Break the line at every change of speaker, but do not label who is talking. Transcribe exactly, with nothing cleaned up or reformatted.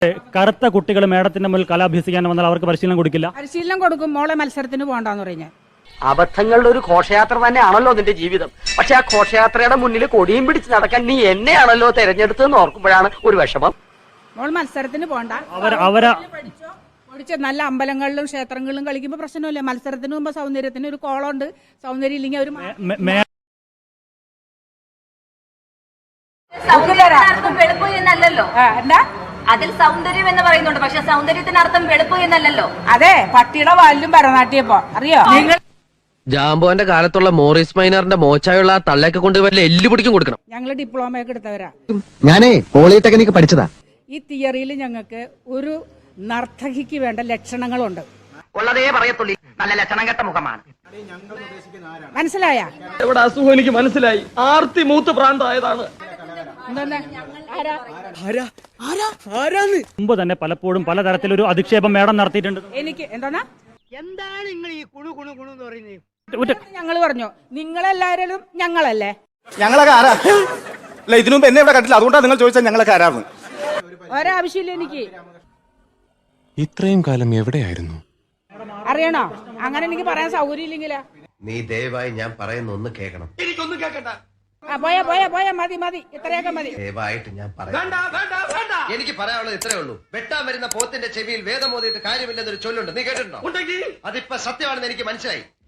കറുത്ത കുട്ടികൾ മേഡത്തിന്റെ മുന്നിൽ കല അഭ്യസിക്കാൻ വന്നാൽ അവർക്ക് പരിശീലനം കൊടുക്കില്ല.
പരിശീലനം കൊടുക്കും. മോളെ മത്സരത്തിന് പോകണ്ടെന്ന് പറഞ്ഞ
അബദ്ധങ്ങളുടെ ഒരു ഘോഷയാത്ര തന്നെയാണല്ലോ നിന്റെ ജീവിതം. പക്ഷെ ആ ഘോഷയാത്രയുടെ മുന്നിൽ കൊടിയും പിടിച്ച് നടക്കാൻ നീ എന്നെയാണല്ലോ തെരഞ്ഞെടുത്തതെന്ന് ഓർക്കുമ്പോഴാണ് ഒരു വിഷമം.
മോൾ മത്സരത്തിന് പോകണ്ട. പഠിച്ച നല്ല അമ്പലങ്ങളിലും ക്ഷേത്രങ്ങളിലും കളിക്കുമ്പോ പ്രശ്നമില്ല. മത്സരത്തിന് മുമ്പ് സൗന്ദര്യത്തിന് ഒരു കോളുണ്ട്. സൗന്ദര്യം ഇല്ലെങ്കിൽ ഒരു
വെളുപ്പ് എന്നല്ലോ. എന്താ അതിൽ സൗന്ദര്യം എന്ന് പറയുന്നുണ്ട്. പക്ഷെ സൗന്ദര്യത്തിനർത്ഥം വെളുപ്പ് എന്നല്ലോ.
അതെ, പട്ടിയുടെ വാലിലും ഭരതനാട്യപ്പോ അറിയോ നിങ്ങൾ?
ജാമ്പോന്റെ കാലത്തുള്ള മോറിസ് മൈനറിന്റെ മോച്ചായുള്ള ആ തള്ളയൊക്കെ കൊണ്ട് വല്ല എല്ലു പിടിക്കും കൊടുക്കണം.
ഞങ്ങള് ഡിപ്ലോമ ഒക്കെ എടുത്തവരാ.
ഞാനേ പോളിടെക്നിക് പഠിച്ചതാ.
ഈ തിയറിയിൽ ഞങ്ങൾക്ക് ഒരു നർത്തകിക്ക് വേണ്ട ലക്ഷണങ്ങളുണ്ട്.
ഉള്ളതേ പറയത്തുള്ളൂ. നല്ല ലക്ഷണം കെട്ട മുഖമാണ്.
മനസ്സിലായ?
എവിടെ അസുഖം എനിക്ക് മനസ്സിലായി. ആർത്തി മൂത്ത് പ്രാന്തായതാണ്.
മുമ്പ് തന്നെ പലപ്പോഴും പലതരത്തിലൊരു അധിക്ഷേപം മേഡം നടത്തിയിട്ടുണ്ട്.
എനിക്ക് എന്താണ്
എന്താണ് നിങ്ങൾ ഈ കുണു കുണു കുണു എന്ന് പറയുന്നത്?
ഞങ്ങള് പറഞ്ഞു നിങ്ങളെല്ലാരും ഞങ്ങളല്ലേ.
ഞങ്ങളൊക്കെ ആരാ? അല്ല, ഇതിനു മുമ്പ് എന്നെ ഇവിടെ കണ്ടില്ല. അതുകൊണ്ടാണ് നിങ്ങൾ ചോദിച്ചാൽ ഞങ്ങളൊക്കെ ആരാന്ന്.
ഒരാവശ്യമില്ല എനിക്ക്.
ഇത്രയും കാലം എവിടെയായിരുന്നു?
അറിയണോ? അങ്ങനെ എനിക്ക് പറയാൻ സൗകര്യം ഇല്ലെങ്കിലാ.
നീ ദയവായി ഞാൻ പറയുന്ന ഒന്ന് കേൾക്കണം.
എനിക്കൊന്നും കേൾക്കണ്ട.
ആ പോയാ പോയാ പോയാ മതി മതി ഇത്രയൊക്കെ മതി.
ദയവായിട്ട് ഞാൻ പറയാം. എനിക്ക് പറയാനുള്ളത് ഇത്രേ ഉള്ളൂ. വെട്ടാൻ വരുന്ന പോത്തിന്റെ ചെവിയിൽ വേദം ഓതിയിട്ട് കാര്യമില്ലെന്നൊരു ചൊല്ലുണ്ട്. നീ കേട്ടിട്ടുണ്ടോ? അതിപ്പോ സത്യമാണെന്ന് എനിക്ക് മനസ്സിലായി.